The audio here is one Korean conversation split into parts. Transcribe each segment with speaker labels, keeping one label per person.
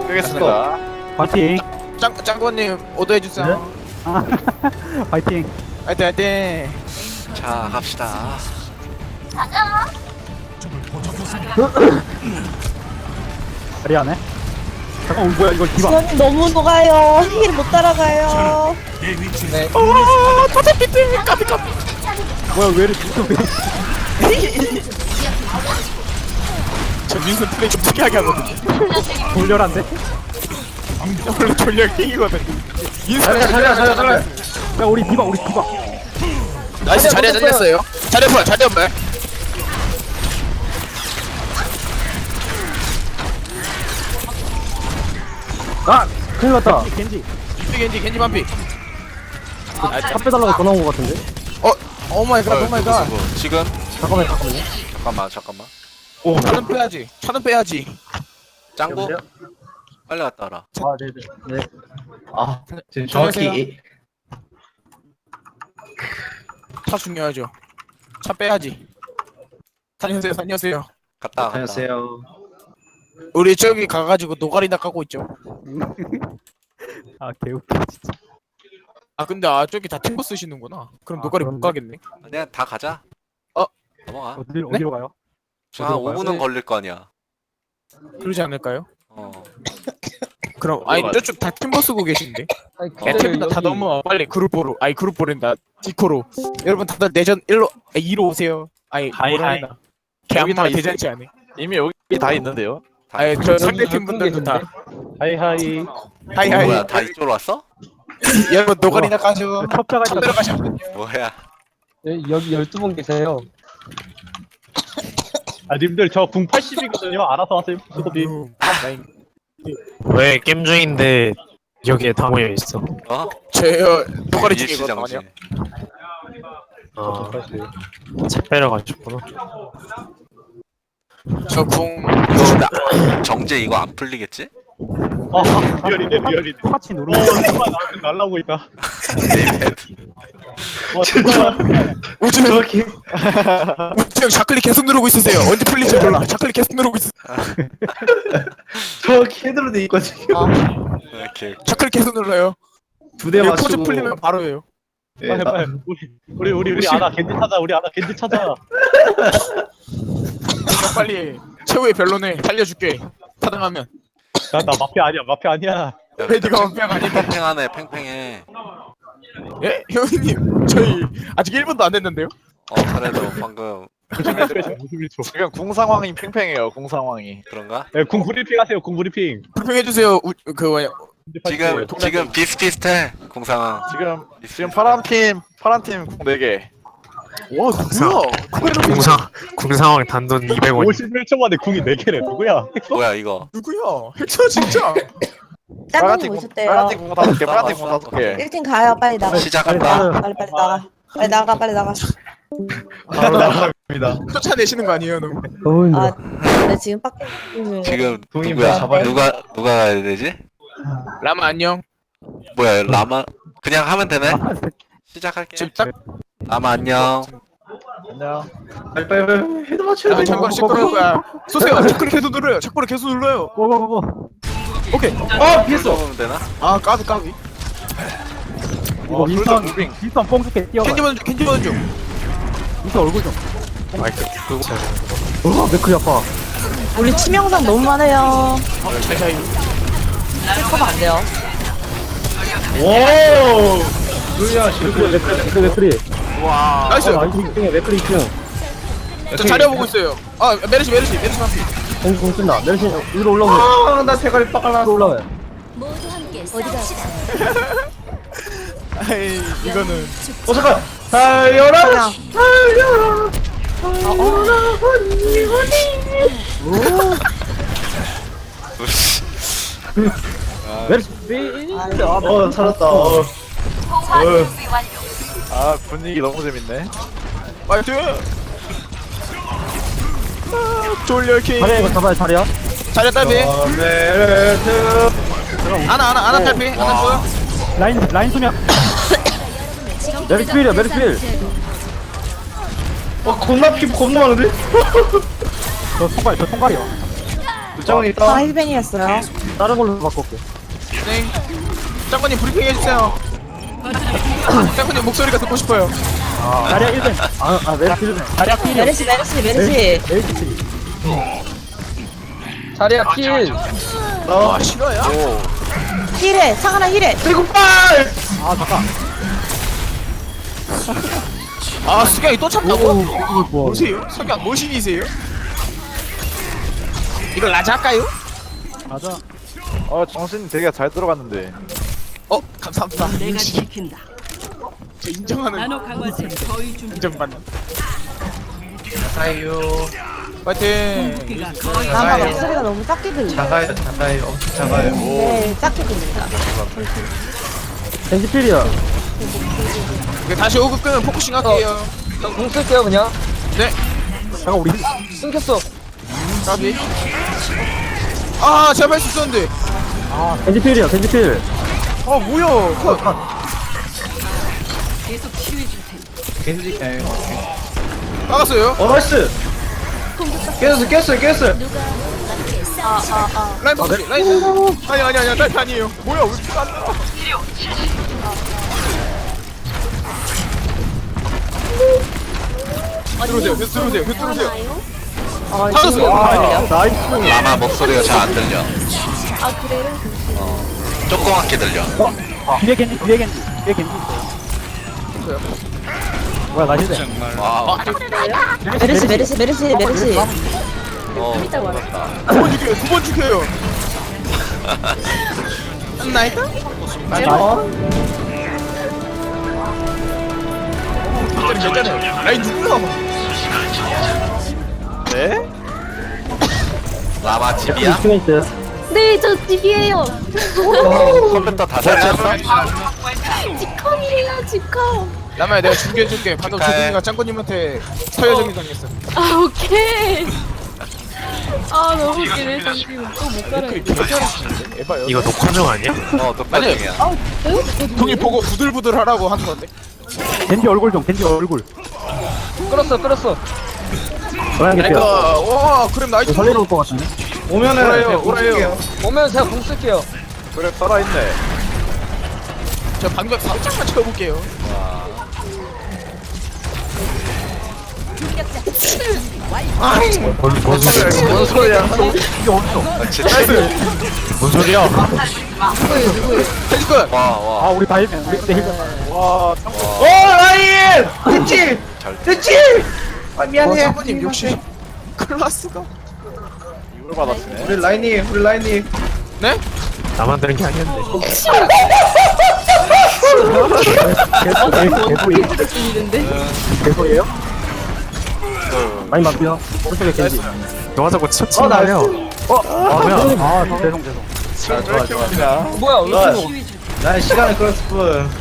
Speaker 1: 끄겠습니다.
Speaker 2: 파이팅.
Speaker 3: 짱구님 오더해주세요.
Speaker 2: 아, 파이팅.
Speaker 3: 화이팅 화이팅.
Speaker 1: 자, 갑시다.
Speaker 2: 자리하네. 잠깐, 뭐야, 이거 디바.
Speaker 4: 지원님 너무 녹아요. 힐 못 따라가요.
Speaker 3: 네. 다섯 비트 까비 까비.
Speaker 2: 뭐야, 왜 이렇게 왜?
Speaker 3: 저 민수 플레이 좀 특이하게 하거든요.
Speaker 2: 돌려란데?
Speaker 3: 원래 전략 킹이거든. 민수
Speaker 2: 자리야. 야, 우리 디바.
Speaker 3: 나이스 자리에 잘렸어요. 자리에 풀어 자리에 말.
Speaker 2: 아, 큰일 났다. 겐지.
Speaker 3: 겐지 반피.
Speaker 2: 탑 빼달라고 전화 온 것 같은데?
Speaker 3: 오 마이 갓, 오 마이 갓.
Speaker 1: 지금?
Speaker 2: 잠깐만요.
Speaker 1: 잠깐만.
Speaker 3: 차는 빼야지. 차는 빼야지.
Speaker 1: 짱구? 빨리 갔다 와라.
Speaker 2: 아, 네네.
Speaker 5: 아, 지금
Speaker 3: 정확히
Speaker 5: 정확히
Speaker 3: 차 중요하죠. 차 빼야지. 다녀오세요.
Speaker 1: 갔다 와.
Speaker 5: 안녕하세요.
Speaker 3: 우리 저기 가가지고 노가리나 까고 있죠.
Speaker 2: 아, 개웃겨, 진짜.
Speaker 3: 아 근데 저기 다 팀버 쓰시는구나. 그럼
Speaker 2: 아,
Speaker 3: 노가리 못
Speaker 2: 그런데?
Speaker 3: 가겠네.
Speaker 1: 그냥 다 가자.
Speaker 3: 어?
Speaker 1: 넘어가.
Speaker 2: 어디로 가요?
Speaker 1: 지금 한
Speaker 2: 어디로 가요?
Speaker 1: 5분은 걸릴 거 아니야.
Speaker 3: 그러지 않을까요?
Speaker 1: 어.
Speaker 3: 그럼 아니 저쪽 다 팀버 쓰고 계신데. 애템이나 다 넘어와 빨리 그룹보로. 아니 그룹보랜다. 디코로. 여러분 다들 내전 2로 오세요. 아니
Speaker 6: 하이.
Speaker 3: 걔
Speaker 6: 다
Speaker 3: 아무나
Speaker 6: 있어.
Speaker 3: 대잔치 안 해.
Speaker 6: 이미 여기 다 있는데요.
Speaker 3: 아니 저 상대팀 분들도 다
Speaker 6: 하이하이.
Speaker 3: 하이하이.
Speaker 1: 뭐야, 다 이쪽으로 왔어?
Speaker 3: 여러분 노가리나 까죠.
Speaker 2: 첩자가
Speaker 3: 차 들어가시면
Speaker 1: 뭐야.
Speaker 5: 여기 12분 계세요.
Speaker 6: 아 님들 저 궁 80이거든요. 알아서 하세요. 수고비.
Speaker 7: 왜 게임 중인데 여기에 다 모여 있어?
Speaker 1: 어?
Speaker 3: 저요 노가리
Speaker 1: 일시정지.
Speaker 3: 중이거든요.
Speaker 7: 아, 책 빼러 가셨구나.
Speaker 3: 저궁
Speaker 1: 이거 정제 이거 안 풀리겠지?
Speaker 6: 아 리얼이네.
Speaker 2: 파치 누르고.
Speaker 6: 잠깐만 나한테 날라오고 있다.
Speaker 3: 우주
Speaker 5: 정확히
Speaker 3: 형 좌클릭 계속 누르고 있으세요. 언제 풀릴지 몰라. 좌클릭 계속 누르고 있어.
Speaker 5: 정확히 헤드로 돼 있거든요.
Speaker 1: 이렇게.
Speaker 3: 좌클릭 계속 눌러요.
Speaker 5: 두 대
Speaker 3: 이거 포즈
Speaker 5: 맞추고.
Speaker 3: 풀리면 바로예요.
Speaker 5: 예,
Speaker 6: 빨리. 우리 아나 겐지 찾아.
Speaker 3: 그러니까 빨리 최후의 변론에 살려줄게. 타당하면.
Speaker 6: 나 마피아 아니야.
Speaker 3: 레디가 원병 아니다.
Speaker 1: 팽팽하네, 팽팽해.
Speaker 3: 예? 형님 저희 아직 1분도 안 됐는데요?
Speaker 1: 그래도 방금
Speaker 6: 51초.
Speaker 8: 지금 궁 상황이 팽팽해요. 궁 상황이.
Speaker 1: 그런가?
Speaker 6: 네, 궁 브리핑 하세요. 궁 브리핑.
Speaker 3: 불평해주세요. 그 뭐야
Speaker 1: 지금 비슷비슷해, 공상황.
Speaker 8: 지금 파란 팀 궁 4개.
Speaker 3: 와 누구야?
Speaker 7: 궁상황 단돈 200원.
Speaker 6: 51초 만에 궁이 4개래. 누구야?
Speaker 1: 뭐야, 이거?
Speaker 3: 누구야? 핵쳐 진짜.
Speaker 8: 빨간
Speaker 4: 짱구님
Speaker 8: 팀 빨간 팀
Speaker 4: 오셨대요.
Speaker 8: 궁 5개. 빨간 팀 궁 5개.
Speaker 4: 1팀 가요. 빨리 나가.
Speaker 1: 시작한다.
Speaker 4: 빨리 나가.
Speaker 5: 바로 나갑니다.
Speaker 3: 쫓아내시는 거 아니에요, 너무?
Speaker 2: 너무 힘들어.
Speaker 4: 아, 네 지금 밖에
Speaker 1: 지금
Speaker 5: 동이
Speaker 1: 누구야?
Speaker 5: 잡아야
Speaker 1: 누가 가야 되지?
Speaker 3: 라마 안녕.
Speaker 1: 뭐야, 라마? 그냥 하면 되네? 시작할게.
Speaker 3: 지금 딱
Speaker 1: 라마 안녕.
Speaker 8: 안녕.
Speaker 5: 빨리 헤드 맞춰야 돼.
Speaker 3: 잠깐 시끄러울 거야. 쏘세요. 착클릭 계속 눌러요. 착클릭 계속 눌러요.
Speaker 2: 고고고고.
Speaker 3: 오케이.
Speaker 5: 피했어.
Speaker 1: 하면 되나?
Speaker 3: 아 까비.
Speaker 2: 이거 윈스턴 뽕 줄게 뛰어가.
Speaker 3: 캔디 버전 중.
Speaker 2: 윈스턴 얼굴 좀.
Speaker 7: 마이크 끄고
Speaker 2: 맥클이 아파.
Speaker 4: 우리 치명상 너무 많아요.
Speaker 3: 잘.
Speaker 4: 힐커버 안 돼요.
Speaker 5: 오. 누야
Speaker 2: 맥클이.
Speaker 8: 와.
Speaker 3: 나이스.
Speaker 2: 나이스 2층에 맥클이 2층.
Speaker 3: 저 자리야 보고 있어요. 아 메르시 한피.
Speaker 2: 공 쓴다. 내려시 위로 올라오고.
Speaker 5: 나 대가리 빠갈라.
Speaker 2: 위로 올라와요.
Speaker 3: 아이 이거는
Speaker 5: 잠깐. 달려라.
Speaker 4: 그냥
Speaker 2: 메르시.
Speaker 5: 살았다.
Speaker 8: 아 분위기 너무 재밌네.
Speaker 3: 파이팅. 졸려킹.
Speaker 2: 자리야 이거 잡아야 자리야.
Speaker 3: 자리야 딸피.
Speaker 5: 메르트.
Speaker 3: 하나 딸피. 하나 보여.
Speaker 2: 라인 수면. 메르시 필이야 메르시 필.
Speaker 5: 겁나 피 겁나 많은데?
Speaker 2: 저 통갈이야.
Speaker 5: 부장님
Speaker 4: 파라
Speaker 5: 있다.
Speaker 4: 힐벤이었어요.
Speaker 5: 다른 걸로 바꿀게.
Speaker 3: 네. 짱구님 브리핑 해주세요. 짱구님 목소리가 듣고 싶어요.
Speaker 5: 자리야 1벤. 메르시 1벤. 자리야 필.
Speaker 4: 메르시.
Speaker 5: 메르시. 자리야 필.
Speaker 3: 아 싫어요?
Speaker 4: 힐해. 상하나 힐해.
Speaker 5: 대국발. 아 잠깐.
Speaker 3: 아 수경이 또 참다고?
Speaker 5: 이거 뭐?
Speaker 3: 보세요. 수경 모신이세요? 이거 라자 할까요?
Speaker 5: 맞아.
Speaker 8: 정신 되게 잘 들어갔는데.
Speaker 3: 감사합니다.
Speaker 2: 내가 지킨다.
Speaker 3: 저 인정하는
Speaker 2: 나노 강화제 거의 준비.
Speaker 3: 인정받는.
Speaker 5: 자가요.
Speaker 3: 파이팅.
Speaker 2: 무기가 거의
Speaker 4: 아, 목소리가 너무 작게 들려.
Speaker 5: 작아요. 엄청 작아요.
Speaker 4: 네, 작게 들린다.
Speaker 5: 벤지필이야.
Speaker 3: 그 다시 5급 끄면 포커싱 할게요.
Speaker 5: 공 쓸게요 그냥.
Speaker 3: 네.
Speaker 5: 잠깐 우리 끊겼어.
Speaker 3: 까비. 아 제가 할수 있었는데.
Speaker 5: 벤지필이야. 벤지필.
Speaker 3: 아 뭐야? 컷.
Speaker 2: 계속 치유해 줄 테니.
Speaker 5: 벤지.
Speaker 3: 나갔어요.
Speaker 5: 나이스. 깼어요.
Speaker 3: 라인 바꾸지. 라인. 아니 라인 아니에요. 뭐야 왜 이렇게 안 나와? 들어오세요.
Speaker 4: 지금
Speaker 3: 아,
Speaker 5: 나이스.
Speaker 1: 라마 목소리가 잘 안 들려.
Speaker 4: 아, 그래요?
Speaker 1: 조그맣게 들려.
Speaker 5: 뒤에 겐지 있어요. 뭐야 나 힐대.
Speaker 1: 와,
Speaker 4: 메르시.
Speaker 3: 두번 죽여요. 나이트? 괜찮아요. 라인 누구야?
Speaker 8: 네?
Speaker 1: 라마 집이야?
Speaker 9: 네, 저 집이에요.
Speaker 1: 컴퓨터 다 설치했어?
Speaker 9: 집컴이에요, 집컴.
Speaker 3: 라마야 내가 준비해줄게. 방금 조동이가 짱구님한테 서여정이 당했어.
Speaker 9: 아, 오케이. 아, 너무 웃기네. 잠시만 또못 가라.
Speaker 3: 에바요.
Speaker 7: 이거 녹화 중 아니야?
Speaker 1: 녹화중이야.
Speaker 3: 동이 보고 부들부들 하라고 하는 건데.
Speaker 5: 겐지 얼굴 좀. 끌었어.
Speaker 3: 라이크. 와 그럼 나이트.
Speaker 5: 살리러 올 것 같은데.
Speaker 3: 오라요.
Speaker 5: 오면 제가 공 쓸게요.
Speaker 8: 그래 살아있네.
Speaker 3: 저 방벽 살짝만 채워볼게요.
Speaker 8: 뭔 소리야?
Speaker 7: 뭔 소리야?
Speaker 3: 헬리컷.
Speaker 1: 와.
Speaker 5: 우리 다 힐벤. 우리 그때 힐벤.
Speaker 8: 와,
Speaker 5: 라인! 됐지! 미안해.
Speaker 3: 짱구님 역시 클라스가.
Speaker 8: 이걸 받았네.
Speaker 5: 우리 라인이.
Speaker 3: 네?
Speaker 7: 나만 들은 게 아니었는데.
Speaker 5: 개소리예요? 많이 맞고요. 오른쪽에 겐지.
Speaker 7: 너가 자꾸 치친 거야.
Speaker 5: 뭐야? 죄송.
Speaker 8: 뭐야?
Speaker 5: 난 시간을 끌었을 뿐.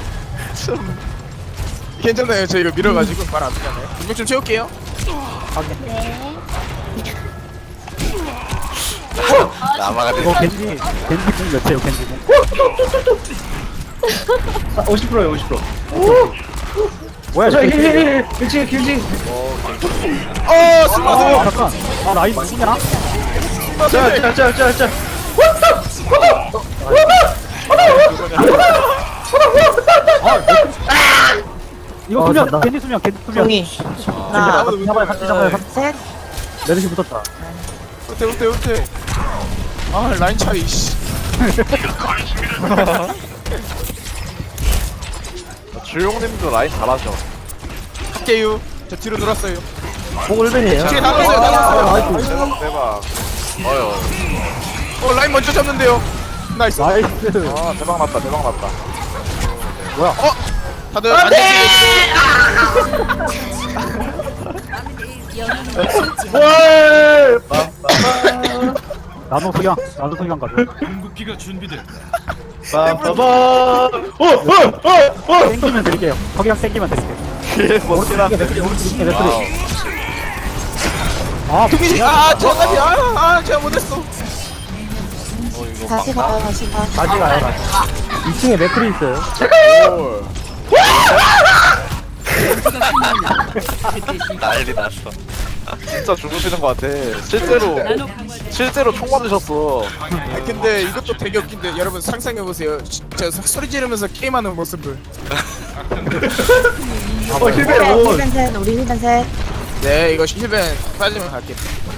Speaker 3: 괜찮아요. 저 이거 밀어가지고 말 안 되잖아요. 분명 좀 채울게요.
Speaker 1: 라마가
Speaker 5: 이거
Speaker 1: 됐어.
Speaker 5: 겐지 공 몇이에요? 겐지 공. 50%예요. 50%. 뭐야? 저 길지.
Speaker 3: 스마트.
Speaker 5: 잠깐. 라인 누구냐? 자. 이거 수면, 겐지 수면.
Speaker 4: 동이. 하나,
Speaker 5: 잡아요.
Speaker 4: 셋.
Speaker 5: 메르시 붙었다.
Speaker 3: 호텔. 아 라인 차이. 씨.
Speaker 8: 주용님도 라인 잘하죠.
Speaker 3: 할게요. 저 뒤로 돌았어요.
Speaker 5: 공울벤이에요.
Speaker 3: 뒤에 나갔어요.
Speaker 8: 대박.
Speaker 1: 어휴.
Speaker 3: 라인 먼저 잡는데요. 나이스.
Speaker 5: 나이스.
Speaker 8: 아 대박 났다.
Speaker 3: 다들 안돼.
Speaker 5: 나도 수경 가져. 땡기면 드릴게요. 석양 땡기면 드릴게요.
Speaker 8: 멋지다.
Speaker 3: 동민이 제가 제가 못했어.
Speaker 4: 다시 가요.
Speaker 5: 다시 가요. 2층에 맥크리 있어요.
Speaker 1: 난리 났어.
Speaker 8: 진짜 죽으시는 것 같아. 실제로 총 맞으셨어.
Speaker 3: 아 근데 이것도 되게 웃긴데 여러분 상상해보세요. 저 소리 지르면서 게임하는 모습을.
Speaker 4: 힐벤 셋 우리 힐벤 셋.
Speaker 3: 네 이거 힐벤 빠지면 갈게.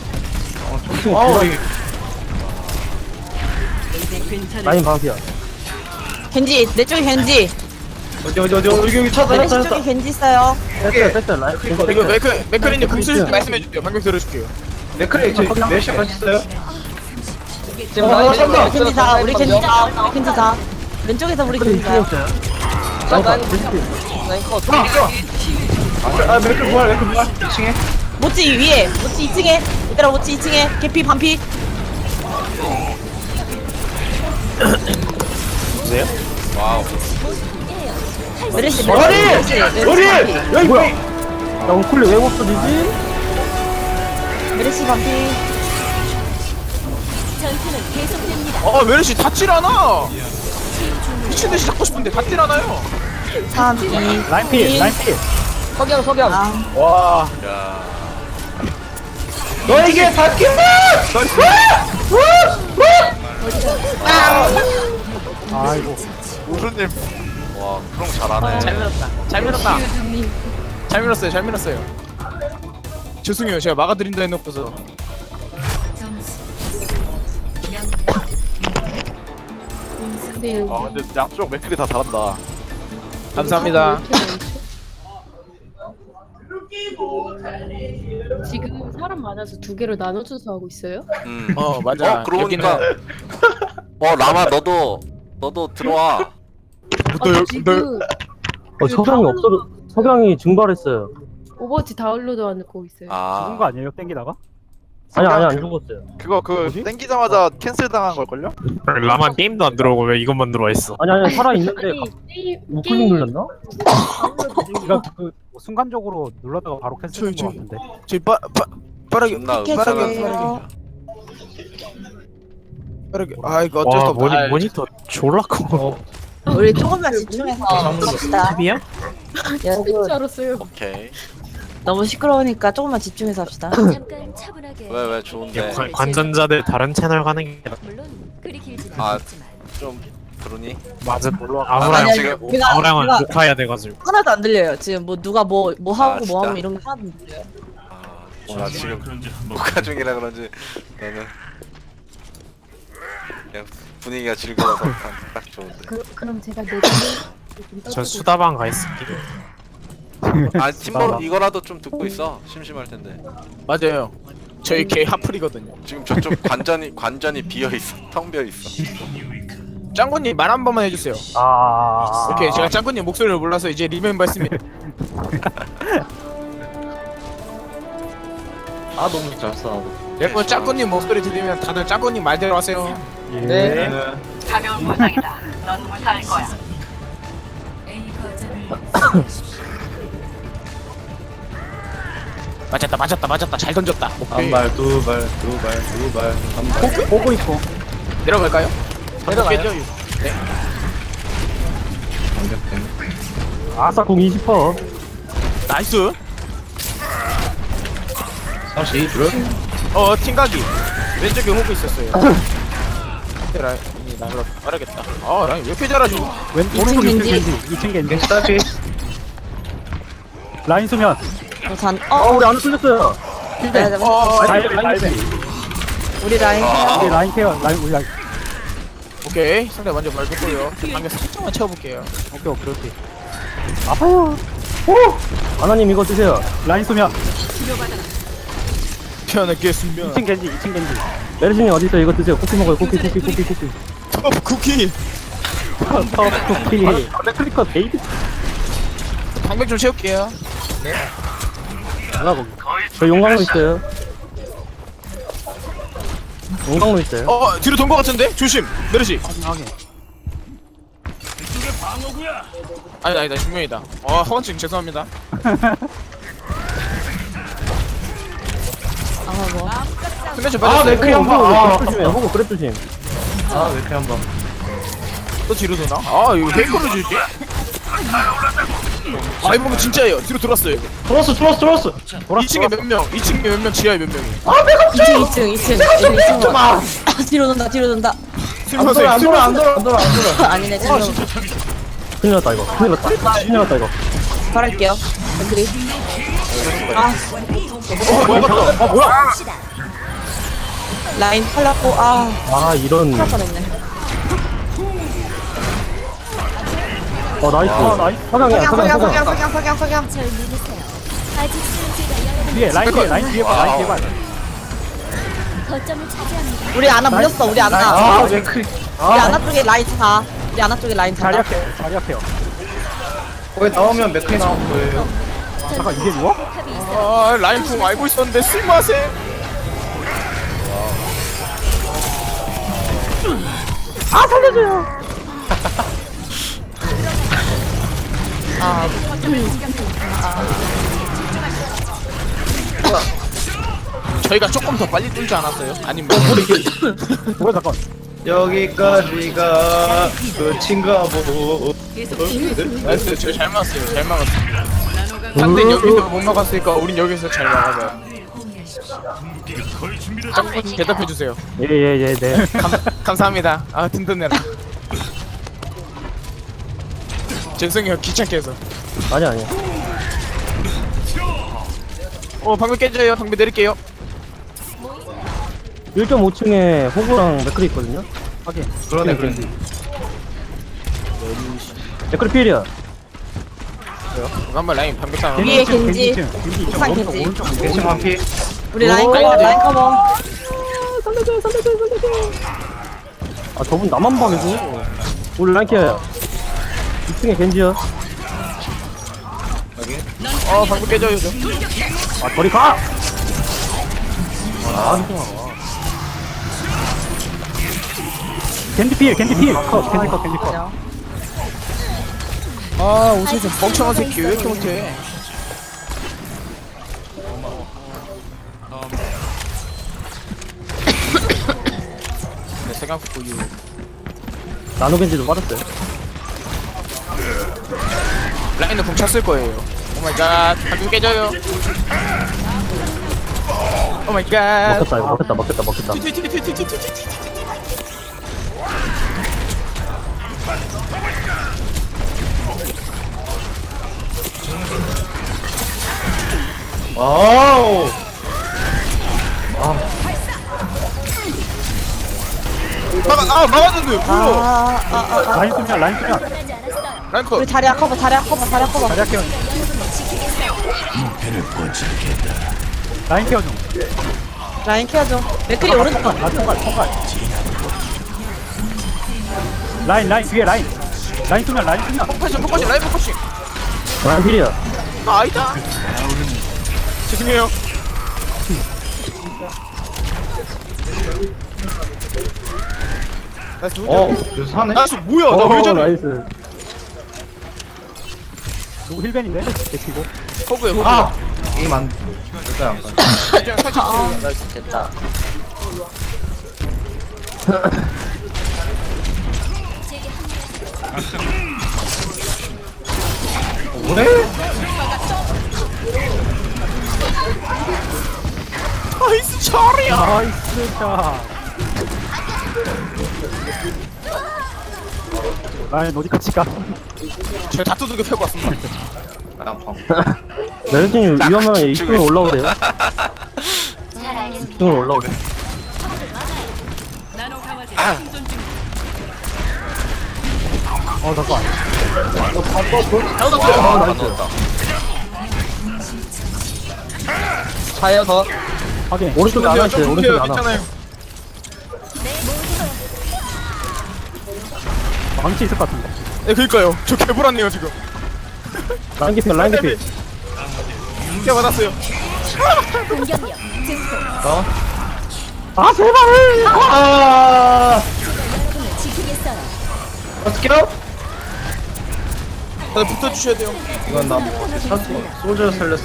Speaker 5: 라인 방피야.
Speaker 4: 겐지 내 쪽에 겐지.
Speaker 6: 여기 찾아
Speaker 4: 메르시 쪽에 겐지 있어요.
Speaker 5: 뺐어 라인.
Speaker 3: 이거 맥크리님 궁수 말씀해줄게요. 방금 들어줄게요.
Speaker 6: 네크레 내시 같이 있어요? 지금
Speaker 4: 우리
Speaker 6: 찾아
Speaker 4: 겐지 다 우리 겐지 다 우리 겐지 다. 왼쪽에서 우리 겐지 다.
Speaker 6: 아 메크 부활 2층에
Speaker 4: 모찌 위에 모찌 2층에 얘들아 모찌 2층에 개피 반피.
Speaker 1: 와우.
Speaker 4: 메르시
Speaker 6: 우리 여기 뭐야?
Speaker 5: 야 우클리 왜 없어지지?
Speaker 4: 메르시 반피.
Speaker 2: 전투는 계속됩니다.
Speaker 3: 아 메르시 닿질 않아. 미친듯이 잡고 싶은데 닿질 않아요.
Speaker 4: 3 2
Speaker 5: 라인 피 라인 피.
Speaker 4: 석영.
Speaker 6: 와
Speaker 1: 야.
Speaker 6: 너에게 바뀐다!
Speaker 5: 아이고.
Speaker 8: 우수님
Speaker 1: 와, 그럼 잘하네.
Speaker 3: 잘 밀었다. 잘 밀었다. 잘 밀었어요. 잘 밀었어요. 죄송해요. 제가 막아드린다 해놓고서.
Speaker 2: 근데
Speaker 8: 아 근데 양쪽 맥클이 다 잘한다.
Speaker 3: 감사합니다.
Speaker 2: 지금 사람 많아서 두 개로 나눠줘서 하고 있어요?
Speaker 3: 맞아.
Speaker 1: 그러고
Speaker 3: 여기는
Speaker 1: 보니까 라마 너도 들어와.
Speaker 2: 지금
Speaker 5: 석양이 없어. 석양이 증발했어요.
Speaker 2: 오버워치 다운로드 하고 있어요.
Speaker 5: 죽은 거 아니에요? 땡기다가?
Speaker 8: 아니,
Speaker 5: 안 죽었어요.
Speaker 8: 그거 땡기자마자 캔슬 당한 걸걸요?
Speaker 7: 라만 게임도 안 들어오고 왜 이것만 들어와 있어?
Speaker 5: 아니 살아 있는데
Speaker 2: 게임
Speaker 5: 우클릭 눌렀나? 네가 그 순간적으로 눌렀다가 바로 캔슬된 거 같은데.
Speaker 3: 저희 빠르게
Speaker 1: 존나
Speaker 3: 빠르게. 아 이거 어쩔 수
Speaker 7: 와
Speaker 3: 없다.
Speaker 7: 모니터 졸라 커.
Speaker 4: 우리 조금만 집중해서 합시다.
Speaker 5: 탑이야?
Speaker 2: 게임 줄
Speaker 4: 여러분
Speaker 2: 알았어요.
Speaker 1: 오케이.
Speaker 4: 너무 시끄러우니까 조금만 집중해서 합시다.
Speaker 2: 잠깐 차분하게.
Speaker 1: 왜 좋은데?
Speaker 7: 관전자들 다른 채널 가는 게
Speaker 2: 물론 그리 길지
Speaker 1: 아.
Speaker 2: 않지만.
Speaker 1: 좀 그러니?
Speaker 7: 맞아.
Speaker 4: 아니,
Speaker 7: 아무랑
Speaker 4: 아니,
Speaker 1: 지금
Speaker 4: 내가
Speaker 7: 아무랑은 녹화해야 돼가지고.
Speaker 4: 하나도 안 들려요. 지금 뭐 누가 뭐 하고
Speaker 1: 진짜?
Speaker 4: 뭐 하고 이런 게 하나도 안 들려요.
Speaker 1: 나 지금 녹화 중이라 그런지 나는 그냥 분위기가 즐거워서 딱 좋은데.
Speaker 2: 그럼 제가 내년에
Speaker 7: 저 수다방 가 있을게.
Speaker 1: 아 팀버로 이거라도 좀 듣고 있어. 심심할 텐데.
Speaker 3: 맞아요. 저희 개 하플이거든요.
Speaker 1: 지금 저쪽 관전이 비어 있어. 텅 비어 있어.
Speaker 3: 짱구님 말 한 번만 해주세요. 오케이 제가 짱구님 목소리를 몰라서 이제 리멤버 했습니다.
Speaker 6: 아 너무 잘 써.
Speaker 3: 여러분 짱구님 목소리 들리면 다들 짱구님 말대로 하세요.
Speaker 6: 네.
Speaker 3: 맞았다. 잘 던졌다. 오케이.
Speaker 6: 한발 두발 한발.
Speaker 5: 보고 있고.
Speaker 3: 내려갈까요? 내려가요. 네.
Speaker 5: 아싸 공 20%.
Speaker 3: 나이스.
Speaker 6: 다시 둘.
Speaker 3: 팀각이 왼쪽에 호구 있었어요. 라인이 나를 빠르겠다. 라인 왜 이렇게 잘하지?
Speaker 5: 오른쪽 2층
Speaker 4: 겐지.
Speaker 5: 겐지. 2층 겐지.
Speaker 6: 스타피.
Speaker 5: 라인 수면. 우리 안 뚫렸어요.
Speaker 4: 네, 우리 라인
Speaker 5: 우리 라인 케어. 우리 라인.
Speaker 3: 오케이 상대 먼저 말 듣고요. 방금 살짝만 채워볼게요.
Speaker 5: 오케이. 아파요. 아나님 이거 드세요. 라인 수면.
Speaker 3: 편하겠으면
Speaker 5: 2층 겐지. 메르신이 어디 있어? 이거 드세요. 쿠키 먹어요. 쿠키.
Speaker 3: 톱 쿠키.
Speaker 5: 쿠키. 클리커 베이비.
Speaker 3: 방백 좀 채울게요.
Speaker 5: 하나 거기. 저 용광로 있어요. 용광로 있어요.
Speaker 3: 뒤로 돈 거 같은데? 조심. 메르시.
Speaker 5: 확인.
Speaker 3: 아니다 중명이다. 허언증 죄송합니다. 근데 저 맞았어요.
Speaker 6: 맥크리 한 번.
Speaker 5: 조심해. 호구 그래 조심.
Speaker 6: 맥크리 한 번.
Speaker 3: 또 뒤로 도나? 이거 페이커로 줄게. 아 이번엔 진짜예요. 뒤로 돌았어요.
Speaker 6: 들어왔어
Speaker 3: 2층에 몇 명? 2층에 몇 명? 지하에 몇 명이?
Speaker 4: 2층. 아, 뒤로 돈다, 뒤로 돈다.
Speaker 3: 스미마셍.
Speaker 4: 아니네, 잠깐만.
Speaker 5: 큰일 났다 이거. 큰일 났다 이거.
Speaker 4: 바랄게요. 그리. 아,
Speaker 5: 뭐야?
Speaker 4: 라인 팔랐고, 아,
Speaker 5: 아 이런.
Speaker 4: 팔 뻔했네.
Speaker 5: 나이스. 석양이야.
Speaker 4: 석양.
Speaker 2: 절 믿으세요. 아직 승리가 여러분
Speaker 5: 뒤에 라인 뒤에 봐. 라인 뒤에 봐.
Speaker 2: 거점을 차지합니다.
Speaker 4: 우리 아나 물렸어, 우리 아나.
Speaker 5: 아 맥크리.
Speaker 4: 우리 아나 쪽에 라인 차. 우리 아나 쪽에 라인 차.
Speaker 5: 자리 앞에요.
Speaker 6: 거기 나오면 맥크리 나올 거예요.
Speaker 5: 잠깐 이게 누워?
Speaker 2: 탑이 있어.
Speaker 3: 아 라인 풍 알고 있었는데 스미마셍. 저희가 조금 더 빨리 뚫지 않았어요? 아니면
Speaker 5: 뭐야 잠깐.
Speaker 6: 여기까지가 끝인가 보고.
Speaker 3: 나이스. 저희 잘 막았어요. 잘 막았어요. 상대 여기서 못 막았으니까 우린 여기서 잘 막아봐요. 짝꿍 대답해주세요.
Speaker 5: 예 네.
Speaker 3: 감사합니다. 아 든든해라. 죄송해요 귀찮게 해서.
Speaker 5: 아니야.
Speaker 3: 방금 깨져요. 방금 내릴게요.
Speaker 5: 1.5층에 호구랑 맥크리 있거든요. 확인.
Speaker 6: 그러네.
Speaker 5: 맥크리 필이야.
Speaker 3: 한번 라인 방금 싸움.
Speaker 4: 위에 겐지. 옥상
Speaker 5: 오른쪽
Speaker 4: 겐지.
Speaker 5: 오른쪽
Speaker 6: 겐지 반피.
Speaker 4: 우리 라인 커버, 라인 커버.
Speaker 5: 살려줘. 아 저분 나만 봐내고. 우리 랑키야. 2층에 겐지야.
Speaker 3: 방금 깨져요. 저.
Speaker 5: 아 저리 가. 겐지 필. 겐지 컷.
Speaker 3: 아 오세요. 멍청한 새끼 왜 이렇게 못해? 네, 생각보고 이후.
Speaker 5: 나노 겐지도 빠졌어요.
Speaker 3: 라인은 붕 찼을 거예요. 오 마이 갓. 방금 깨져요. 오 마이 갓.
Speaker 5: 먹혔다.
Speaker 6: 와우.
Speaker 3: 막았는데. 뭐야?
Speaker 5: 라인 쓰면.
Speaker 2: 하지 않았어요.
Speaker 3: 랭커.
Speaker 4: 우리 자리야 커버.
Speaker 5: 자리 할게요. 라인 케어 좀.
Speaker 4: 라인 케어줘. 맥크리 오른쪽.
Speaker 5: 총괄. 라인 뒤에 라인 쓰면.
Speaker 3: 포커싱 라인 포커싱.
Speaker 5: 라인 필이야.
Speaker 3: 아니다. 죄송해요. 나이스.
Speaker 6: 여기서 사네.
Speaker 3: 나이스 뭐야? 나 왜 저래?
Speaker 5: 나이스. 누구 힐벤인데? 데키고.
Speaker 3: 호구에 호구.
Speaker 6: 게임 안. 일단 안 가.
Speaker 3: 살짝.
Speaker 4: 나이스 됐다.
Speaker 6: 뭐래?
Speaker 3: 나이스 처리야.
Speaker 5: 나이스 샷. 라인 어디까지 가?
Speaker 3: 제가 다 두들겨 펴고 왔습니다.
Speaker 5: 메르진이 위험하면 2층으로 올라오래요.
Speaker 2: 잘 알겠습니다.
Speaker 5: 2층으로 올라오래. 잠깐.
Speaker 4: 자요 더.
Speaker 5: 확인. 오른쪽에 하나 있어요. 오른쪽에 하나.
Speaker 3: 괜찮아요.
Speaker 5: 망치 있을 것 같은데.
Speaker 3: 네, 그니까요. 저 개불안해요 지금.
Speaker 5: 라인 개피.
Speaker 3: 개 받았어요.
Speaker 2: 공격력 증폭.
Speaker 5: 아 제발.
Speaker 2: 여러분을 지키겠어요.
Speaker 6: 어떻게요?
Speaker 3: 다들 붙어주셔야 돼요.
Speaker 6: 이건 나 소저 살렸어.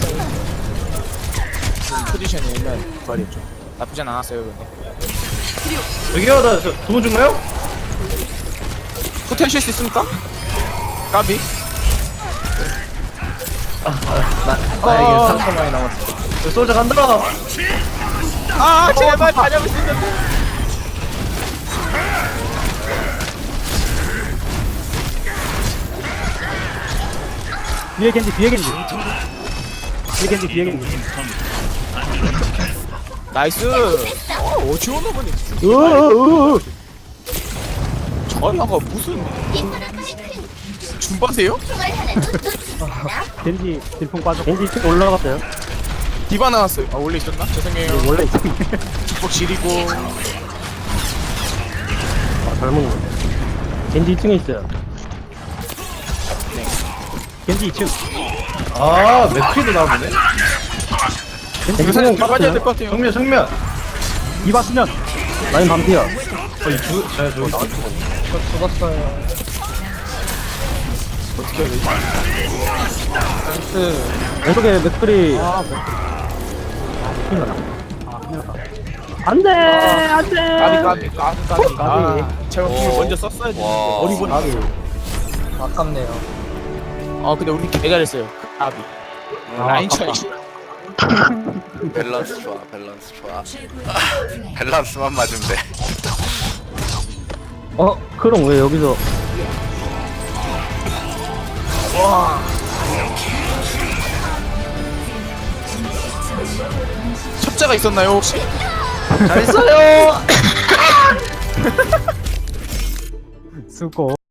Speaker 3: 포지션이 옛날 말이었죠. 나쁘진 않았어요. 근데.
Speaker 6: 여기요, 나 도움 준가요?
Speaker 3: 포텐셜 수 있습니까? 까비.
Speaker 6: 이게 상처 많이 남았어. 솔저 간다.
Speaker 3: 아 제발 다녀올 수 있는데.
Speaker 5: 뒤에 겐지 뒤에 겐지 뒤에 겐지 뒤에 겐지
Speaker 3: 나이스. 어지원 어머니. 저리아가 무슨 줌바세요?
Speaker 5: 겐지 딜풍 빠져 겐지 층 올라갔어요
Speaker 3: 디바 나왔어요. 아 원래 있었나? 죄송해요.
Speaker 5: 원래 있어
Speaker 3: 축복 지리고.
Speaker 5: 젊은 거 겐지 2층에 있어요 겐지 2층
Speaker 6: 아 맥크리도 나오네.
Speaker 5: 겐지
Speaker 3: 이거 살짝
Speaker 5: 2층
Speaker 3: 잡아야 될
Speaker 5: 빠졌어요
Speaker 3: 것 같아요.
Speaker 6: 정면 정면.
Speaker 5: 디바 수면 라인 반피야
Speaker 6: 어이 제가 저기 죽었어요.
Speaker 3: 어떻게 해야 되지?
Speaker 5: 왼쪽에 맥크리 큰일 났다 큰일 났다 안돼 안돼
Speaker 3: 까비. 아, 제가 궁을
Speaker 1: 오.
Speaker 3: 먼저 썼어야 되는데
Speaker 1: 와.
Speaker 3: 어리버리.
Speaker 6: 아깝네요.
Speaker 3: 아 근데 우리 개 잘했어요. 까비. 라인 차이.
Speaker 1: 밸런스 좋아 밸런스 좋아 밸런스만 맞으면 돼
Speaker 5: 크롱 왜 여기서
Speaker 3: 첩자가 있었나요 혹시?
Speaker 6: 잘했어요.
Speaker 5: 수고